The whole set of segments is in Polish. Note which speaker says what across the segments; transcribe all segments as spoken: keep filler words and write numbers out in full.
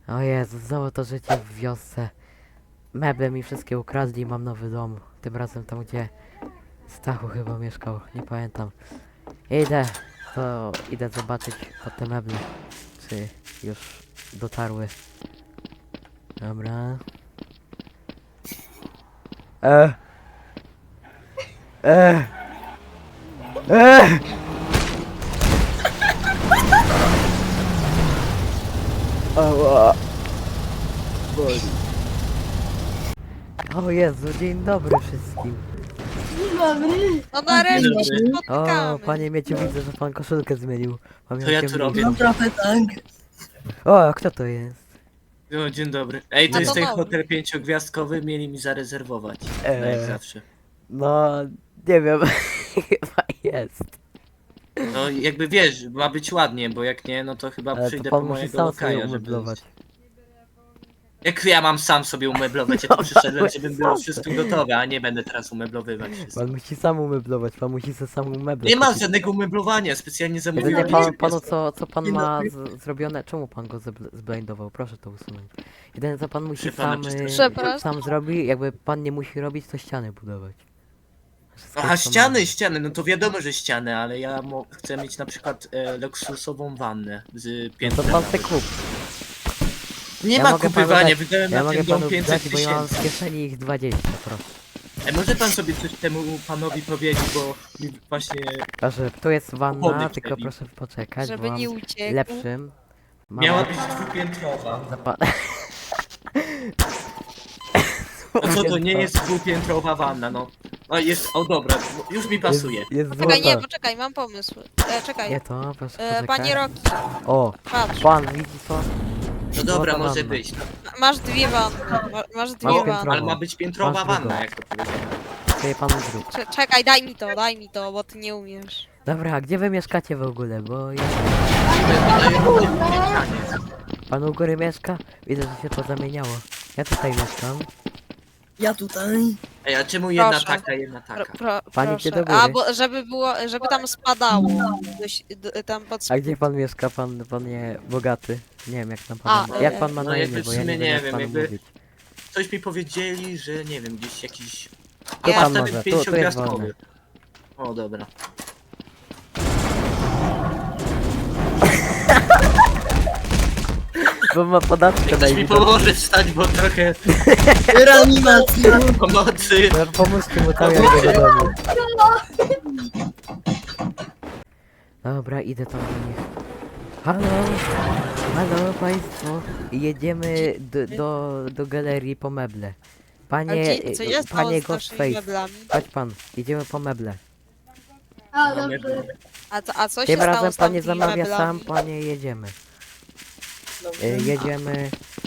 Speaker 1: O Jezu, znowu to życie w wiosce. Meble mi wszystkie ukradli, mam nowy dom. Tym razem tam, gdzie Stachu chyba mieszkał, nie pamiętam. Idę, to idę zobaczyć pod te meble, czy już dotarły. Dobra. E. E. E. Ała. Boli. O Jezu, dzień dobry wszystkim.
Speaker 2: Dzień dobry.
Speaker 3: No nareszcie się
Speaker 1: O,
Speaker 3: spotkamy.
Speaker 1: panie Mieciu, widzę, że pan koszulkę zmienił.
Speaker 4: To ja
Speaker 1: Pamiętam,
Speaker 4: tu robię.
Speaker 2: No trochę tak.
Speaker 1: O, a kto to jest?
Speaker 4: No, dzień dobry. Ej, to
Speaker 3: A
Speaker 4: jest
Speaker 3: to
Speaker 4: ten
Speaker 3: nowy.
Speaker 4: hotel pięciogwiazdkowy, mieli mi zarezerwować.
Speaker 1: Eee.
Speaker 4: No jak zawsze.
Speaker 1: No, nie wiem, chyba jest.
Speaker 4: No jakby wiesz, ma być ładnie, bo jak nie, no to chyba
Speaker 1: Ale to
Speaker 4: przyjdę
Speaker 1: pan
Speaker 4: po
Speaker 1: musi
Speaker 4: mojego
Speaker 1: sam sobie
Speaker 4: lokaja, żeby...
Speaker 1: umeblować.
Speaker 4: Jak ja mam sam sobie umeblować? Ja
Speaker 1: No,
Speaker 4: tu przyszedłem,
Speaker 1: pan
Speaker 4: żeby
Speaker 1: sam
Speaker 4: było
Speaker 1: sobie.
Speaker 4: wszystko gotowe, a nie będę teraz umeblowywać wszystko.
Speaker 1: Pan musi sam umeblować, pan musi sobie sam umeblować.
Speaker 4: Nie ma żadnego umeblowania, specjalnie
Speaker 1: Jedynie
Speaker 4: zamówiłem.
Speaker 1: pan, panu co, co pan
Speaker 2: Dzień
Speaker 1: ma
Speaker 2: dobry.
Speaker 1: z, zrobione, czemu pan go zbl- zblindował? Proszę to usunąć. Jedyne co pan musi
Speaker 4: Proszę pana,
Speaker 1: sam, y,
Speaker 3: Przepraszam.
Speaker 1: sam zrobi, jakby pan nie musi robić, to ściany budować. Wszystko
Speaker 4: Aha,
Speaker 1: co
Speaker 4: ściany,
Speaker 1: ma.
Speaker 4: ściany, no to wiadomo, że ściany, ale ja mo- chcę mieć na przykład e, luksusową wannę z
Speaker 1: No to
Speaker 4: piętrem.
Speaker 1: pan se kup.
Speaker 4: Nie
Speaker 1: Ja
Speaker 4: ma
Speaker 1: mogę panu
Speaker 4: kupywania,
Speaker 1: dać-
Speaker 4: wydałem
Speaker 1: Ja
Speaker 4: na
Speaker 1: mogę
Speaker 4: ten dom
Speaker 1: panu
Speaker 4: pięćset
Speaker 1: dać, bo ja mam
Speaker 4: tysięcy.
Speaker 1: z kieszeni ich dwadzieścia, proszę.
Speaker 4: E, może pan sobie coś temu panowi powiedzieć, bo mi właśnie...
Speaker 1: Proszę, tu jest wanna,
Speaker 4: Opony
Speaker 1: tylko
Speaker 4: wtedy.
Speaker 1: proszę poczekać,
Speaker 3: Żeby
Speaker 1: bo mam
Speaker 3: nie uciekł.
Speaker 1: lepszym. Mam
Speaker 4: Miała być dwupiętrowa.
Speaker 1: zapa-
Speaker 4: No co to nie jest dwupiętrowa wanna, no. O, jest, o dobra, już mi pasuje.
Speaker 1: Jest, jest
Speaker 3: Czekaj, nie,
Speaker 1: złota.
Speaker 3: poczekaj, mam pomysł. E, czekaj.
Speaker 1: Nie to, proszę
Speaker 3: E,
Speaker 1: poczekać.
Speaker 3: panie Roki,
Speaker 1: O,
Speaker 3: patrz.
Speaker 1: pan, widzi co?
Speaker 4: No dobra,
Speaker 1: Złota
Speaker 4: może
Speaker 1: wanna.
Speaker 4: być. No,
Speaker 3: Ma- Masz dwie wanny. Ma, masz dwie
Speaker 1: Masz
Speaker 3: wanny.
Speaker 1: piętro.
Speaker 4: ale ma być piętrowa
Speaker 1: Masz drugą.
Speaker 4: wanna, jak to powiedziałem.
Speaker 1: Sobie pan zrób.
Speaker 3: Cze- Czekaj, daj mi to, daj mi to, bo ty nie umiesz.
Speaker 1: Dobra, a gdzie wy mieszkacie w ogóle? Bo ja... Pan u góry mieszka? Widzę, że się to zamieniało. Ja tutaj mieszkam.
Speaker 2: Ja tutaj.
Speaker 4: Ej, a czemu jedna
Speaker 3: Proszę.
Speaker 4: taka, jedna
Speaker 3: Pro,
Speaker 4: taka?
Speaker 3: pro,
Speaker 1: Pani
Speaker 3: proszę.
Speaker 1: idzie do góry.
Speaker 3: A, bo żeby było, żeby tam spadało. Dość, d, tam pod
Speaker 1: A gdzie pan mieszka, pan, pan nie bogaty? Nie wiem jak tam
Speaker 3: A,
Speaker 1: pan... Jak
Speaker 3: e,
Speaker 1: pan ma
Speaker 4: no
Speaker 1: na
Speaker 4: jakby
Speaker 1: imię,
Speaker 4: w
Speaker 1: bo ja nie
Speaker 4: sumie
Speaker 1: wiem
Speaker 4: nie
Speaker 1: jak
Speaker 4: wiem,
Speaker 1: panu
Speaker 4: jakby-
Speaker 1: mówić.
Speaker 4: Coś mi powiedzieli, że nie wiem, gdzieś jakiś...
Speaker 3: Tu
Speaker 4: A
Speaker 1: pan
Speaker 4: ten
Speaker 1: może, tu- tu jest
Speaker 4: pięciogwiazdkowy. O, dobra.
Speaker 1: Bo ma podatkę na
Speaker 4: Ktoś mi
Speaker 1: imię.
Speaker 4: pomoże wstać, bo trochę
Speaker 2: Reanimacja.
Speaker 4: pomocy.
Speaker 1: No, pomóżcie mu tam jak go do domu. Dobra, idę tam do nich. Halo, halo państwo. Jedziemy do, do, do galerii po meble.
Speaker 3: A
Speaker 1: Panie,
Speaker 3: gdzie, co jest
Speaker 1: panie
Speaker 3: z naszymi
Speaker 1: Ghostface,
Speaker 3: meblami?
Speaker 1: chodź pan, jedziemy po meble.
Speaker 2: A,
Speaker 4: Mamy-
Speaker 2: dobrze.
Speaker 3: A, co- a co się
Speaker 1: Tym
Speaker 3: stało
Speaker 1: razem
Speaker 3: z
Speaker 1: pan nie
Speaker 3: tamtymi
Speaker 1: zamawia
Speaker 3: meblami?
Speaker 1: sam, panie jedziemy.
Speaker 2: Dobrze.
Speaker 1: Y, jedziemy...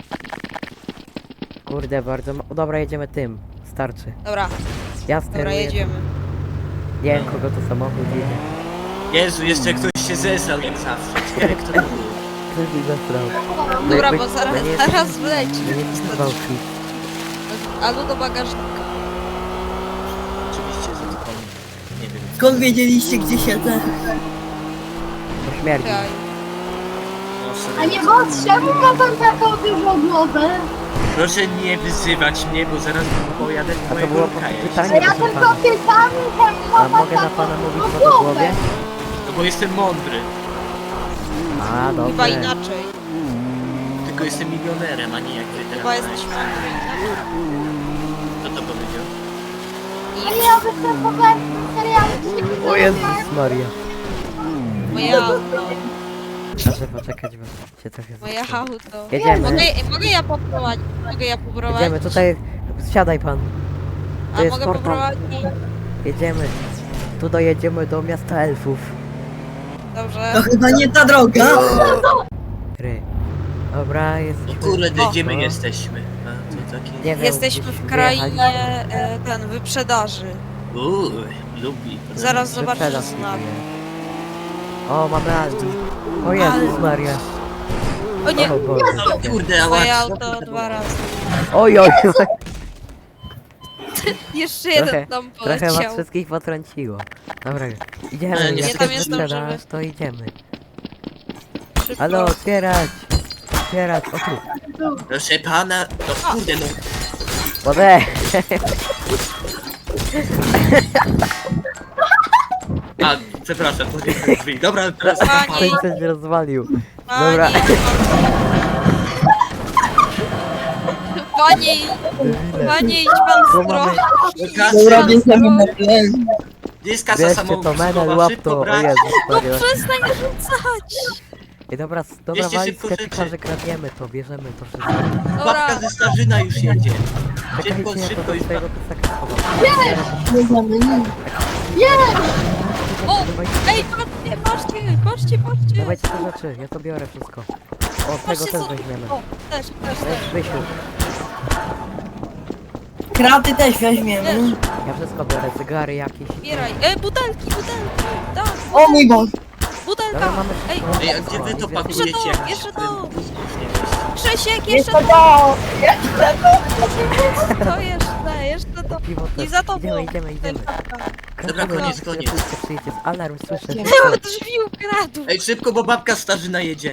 Speaker 1: Kurde, bardzo... ma- Dobra, jedziemy tym. Starczy.
Speaker 3: Dobra,
Speaker 1: Ja
Speaker 3: dobra,
Speaker 1: steruję.
Speaker 3: jedziemy.
Speaker 1: Nie wiem kogo to samochód jedzie.
Speaker 4: Jezu, jeszcze ktoś się zesrał jak zawsze. Ciekawe kto to był.
Speaker 1: Ktoś mi zastrał. No
Speaker 3: Dobra,
Speaker 1: jakby-
Speaker 3: bo zaraz,
Speaker 1: no nie-
Speaker 3: zaraz wleci.
Speaker 1: Nie nie gwałci.
Speaker 3: Albo do bagażnika.
Speaker 4: Oczywiście, że to pan... Nie wiem.
Speaker 2: Skąd wiedzieliście, gdzie siedzę?
Speaker 1: To śmierdzi.
Speaker 3: Czekaj.
Speaker 4: No,
Speaker 5: A
Speaker 4: sorry.
Speaker 5: nie, bo czemu ma pan taką dużą głowę?
Speaker 4: Proszę nie wyzywać mnie, bo zaraz pojadę do
Speaker 1: A to
Speaker 4: mojego
Speaker 1: było
Speaker 4: lokaja.
Speaker 5: A
Speaker 1: pytanie,
Speaker 5: ja
Speaker 1: proszę
Speaker 5: tylko
Speaker 1: pana.
Speaker 5: pytam, czemu ma
Speaker 1: A
Speaker 5: pan
Speaker 1: mogę na
Speaker 5: taką
Speaker 1: pana mówić
Speaker 5: dużą
Speaker 1: co do
Speaker 5: głowę?
Speaker 1: głowie?
Speaker 4: No bo jestem mądry.
Speaker 1: A,
Speaker 3: Chyba
Speaker 1: dobrze.
Speaker 3: inaczej.
Speaker 4: Tylko jestem milionerem, a nie jak ty teraz.
Speaker 3: Chyba jesteś mądry.
Speaker 4: Kto to powiedział?
Speaker 5: A nie, ja występowałem w serialu
Speaker 1: O Jezus Maria.
Speaker 3: Moje auto.
Speaker 1: Proszę poczekać, bo się trochę
Speaker 3: Moje
Speaker 1: zastrał.
Speaker 3: auto.
Speaker 1: Jedziemy.
Speaker 3: Mogę, mogę ja poprowadzić? Mogę ja poprowadzić?
Speaker 1: Jedziemy, tutaj... Siadaj pan.
Speaker 3: A
Speaker 1: to jest
Speaker 3: mogę
Speaker 1: portal.
Speaker 3: poprowadzić?
Speaker 1: Jedziemy. Tu dojedziemy do miasta elfów.
Speaker 3: Dobrze.
Speaker 2: To chyba nie ta droga.
Speaker 1: Ry. Dobra,
Speaker 4: O
Speaker 1: jesteśmy...
Speaker 4: kurde, gdzie my
Speaker 1: O.
Speaker 4: jesteśmy? A, to takie...
Speaker 1: Nie wiem,
Speaker 3: Jesteśmy
Speaker 1: gdzieś
Speaker 3: w krainie
Speaker 1: wyjechać.
Speaker 3: e, ten, wyprzedaży.
Speaker 4: Uuu, lubi.
Speaker 3: Zaraz zobaczysz
Speaker 1: Wyprzedaż
Speaker 3: znak.
Speaker 1: kupuje. O, mamy Aldi. O Jezus Maria.
Speaker 3: O nie,
Speaker 1: O Boże.
Speaker 4: No kurde,
Speaker 3: moje
Speaker 4: ała.
Speaker 3: auto dwa razy.
Speaker 1: Oj, oj, oj.
Speaker 3: Jeszcze
Speaker 1: Trochę-
Speaker 3: jeden tam
Speaker 1: Trochę was
Speaker 3: poleciał.
Speaker 1: wszystkich potrąciło. Dobra, idziemy,
Speaker 4: Ale nie,
Speaker 1: jak
Speaker 4: tam
Speaker 1: jest
Speaker 3: jest
Speaker 1: sprzedaż,
Speaker 3: dobrze.
Speaker 1: to idziemy.
Speaker 3: Szybko.
Speaker 1: Halo, otwierać! otwierać, o tu.
Speaker 4: Proszę pana, no kurde no.
Speaker 1: Wodę!
Speaker 4: A, przepraszam, to nie są drzwi. Dobra, teraz
Speaker 3: Pani.
Speaker 1: Ktoś coś mnie rozwalił. Dobra.
Speaker 3: Pani, pani, pani, idź pan
Speaker 1: Tu
Speaker 3: w
Speaker 1: mamy-
Speaker 3: stronę.
Speaker 4: Kasy,
Speaker 2: Dobra, bierzemy meble.
Speaker 4: gdzie jest kasa
Speaker 1: Bierzcie to,
Speaker 4: samoobsługowa?
Speaker 1: menel, łap
Speaker 4: Szybko
Speaker 1: to, o
Speaker 4: brać.
Speaker 1: Jezus
Speaker 3: No
Speaker 1: Maria.
Speaker 3: przestań rzucać.
Speaker 1: I dobra, s- dobra
Speaker 4: Bierzcie
Speaker 1: wali
Speaker 4: szybko
Speaker 1: sklepika,
Speaker 4: rzeczy.
Speaker 1: że kradniemy to, bierzemy to wszystko.
Speaker 3: Dobra,
Speaker 4: Babka ze Starzyna już jedzie.
Speaker 1: Czekajcie,
Speaker 4: Szybko,
Speaker 1: ja to
Speaker 4: szybko
Speaker 1: do
Speaker 4: już.
Speaker 1: swojego plecaka schowam.
Speaker 2: Bierzemy, nie.
Speaker 3: o, ej, patrzcie, patrzcie, patrzcie, patrzcie.
Speaker 1: Dawajcie te rzeczy, ja to biorę wszystko. O, tego
Speaker 3: Patrzcie,
Speaker 1: też
Speaker 3: co-
Speaker 1: weźmiemy.
Speaker 3: O, też, też,
Speaker 1: Weź,
Speaker 3: też.
Speaker 1: Wysiu,
Speaker 2: Kraty też weźmiemy.
Speaker 1: ja wszystko biorę, cygary jakieś.
Speaker 3: Zbieraj. E, butelki, butelki. Tak,
Speaker 2: O mój Boże.
Speaker 3: butelka.
Speaker 1: Dobra, mamy
Speaker 3: Ej,
Speaker 1: wszystko.
Speaker 4: Ej, a gdzie wy to
Speaker 1: Jest więcej-
Speaker 4: pakujecie?
Speaker 3: Jeszcze to,
Speaker 4: jakieś
Speaker 3: jeszcze to.
Speaker 4: prędkości?
Speaker 3: Krzysiek, jeszcze
Speaker 2: Jeszcze
Speaker 3: to,
Speaker 2: to.
Speaker 3: to jeszcze, jeszcze to.
Speaker 1: Piwo
Speaker 3: I
Speaker 1: też.
Speaker 3: za tobą.
Speaker 1: Idziemy, idziemy, idziemy.
Speaker 4: Dobra,
Speaker 1: Kradniemy,
Speaker 4: koniec,
Speaker 1: jak
Speaker 4: koniec.
Speaker 1: policja przyjedzie. Alarm słyszę.
Speaker 3: Nie
Speaker 1: szybko.
Speaker 3: ma drzwi ukradł.
Speaker 4: Ej, szybko, bo babka Starzyna jedzie.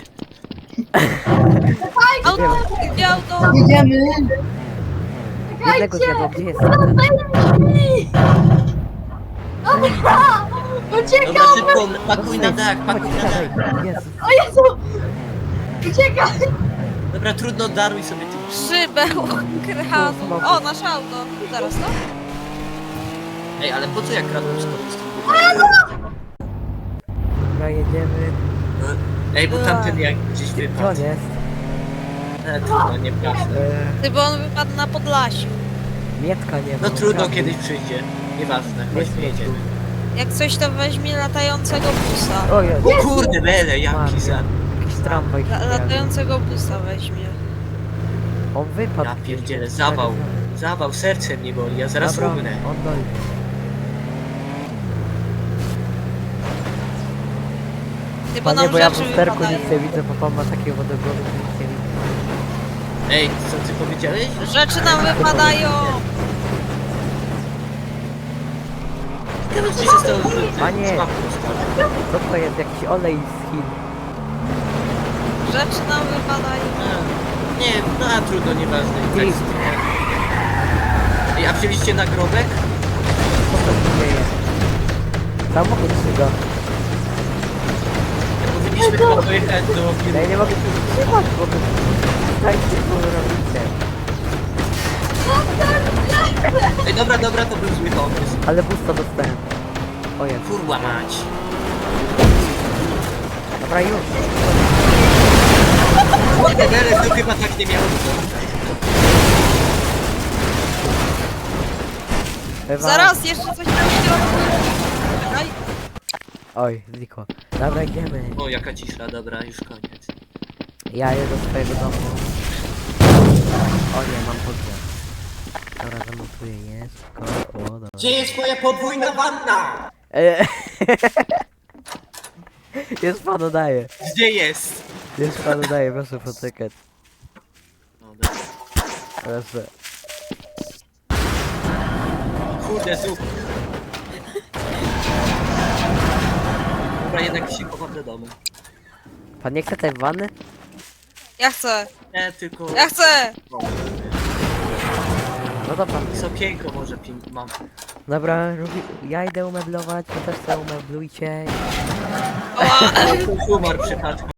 Speaker 3: Auto, gdzie auto?
Speaker 2: Jedziemy.
Speaker 1: Jednego zjadło, gdzie jest?
Speaker 5: Dobra! Uciekaj!
Speaker 4: Dobra, szybko, pakuj na dach, pakuj na dach.
Speaker 1: Jezus.
Speaker 5: O Jezu! Uciekaj!
Speaker 4: Dobra, trudno, daruj sobie tym.
Speaker 3: Szybę ukradł. O, nasze auto. Zaraz to?
Speaker 4: Ej, ale po co ja kradłem skoro z tym budynku?
Speaker 1: Dobra, jedziemy.
Speaker 4: Ej, bo tamten jak gdzieś
Speaker 1: Gdzie on
Speaker 4: wypadł.
Speaker 1: jest?
Speaker 4: E, trudno, nieważne.
Speaker 1: Eee,
Speaker 3: Ty, bo on wypadł na Podlasiu.
Speaker 1: Mietka nie ma.
Speaker 4: No trudno,
Speaker 1: kradnie.
Speaker 4: kiedyś przyjdzie. Nieważne,
Speaker 1: Jest
Speaker 4: chodźmy, jedziemy.
Speaker 3: Jak coś to weźmie latającego busa.
Speaker 1: O Jezu.
Speaker 4: O kurde, bele, jaki za...
Speaker 1: Jakiś tramwaj się
Speaker 3: La
Speaker 1: pojawił.
Speaker 3: latającego busa weźmie.
Speaker 1: On wypadł.
Speaker 4: Ja
Speaker 1: gdzieś.
Speaker 4: pierdzielę, zawał. Zawał, serce mnie boli, ja zaraz
Speaker 1: Dobra,
Speaker 4: umrę.
Speaker 1: on dojdzie.
Speaker 3: Ty, bo
Speaker 1: Panie,
Speaker 3: nam
Speaker 1: bo ja w
Speaker 3: rzeczy
Speaker 1: lusterku
Speaker 3: wypadają.
Speaker 1: nic nie widzę, bo pan ma takie wodogłowy, że nic nie widzę.
Speaker 4: Ej, co ty powiedziałeś?
Speaker 3: Rzeczy nam wypadają.
Speaker 4: Teraz gdzie się stało, że ty
Speaker 1: Panie.
Speaker 4: z babką stary?
Speaker 1: Co to jest? Jakiś olej z Chin.
Speaker 3: Rzeczy nam wypadają.
Speaker 4: A, Nie, no a trudno, nieważne. i tak
Speaker 1: Ty.
Speaker 4: zginie. Ej, a wzięliście nagrobek?
Speaker 1: Co to się dzieje? Samochód szyga.
Speaker 4: Ja powinniśmy chyba pojechać do...
Speaker 1: Ja nie mogę się wytrzymać, bo wy... Dajcie, co wy robicie.
Speaker 4: Ej, dobra, dobra, to był zły pomysł.
Speaker 1: Ale busta dostałem. O Jezu.
Speaker 4: Kurwa mać.
Speaker 1: Dobra, już.
Speaker 4: Kurde, bele, to chyba tak nie miało być.
Speaker 1: Ewa.
Speaker 3: Zaraz, jeszcze coś tam w środku. Czekaj.
Speaker 1: Oj, znikło. Dobra, idziemy.
Speaker 4: O, jaka cisza, dobra, już koniec.
Speaker 1: Ja jedę do swojego domu. O nie, mam podwór. Dobra, zamontuję je. Szybko. O, dobra.
Speaker 4: Gdzie jest moja podwójna wanna?
Speaker 1: Eee. Już panu daję.
Speaker 4: Gdzie jest?
Speaker 1: Już panu daję, proszę poczekać.
Speaker 4: No, dobra.
Speaker 1: Proszę.
Speaker 4: Kurde, zup. Dobra, jednak się chowam do domu.
Speaker 1: Pan nie chce tej wanny?
Speaker 3: Ja chcę.
Speaker 4: Nie, tylko...
Speaker 3: Ja chcę.
Speaker 1: No to pan.
Speaker 4: Z okienko może ping mam.
Speaker 1: Dobra, robi... ja idę umeblować, wy też sobie umeblujcie.
Speaker 3: Ała.
Speaker 4: Humor przypadku.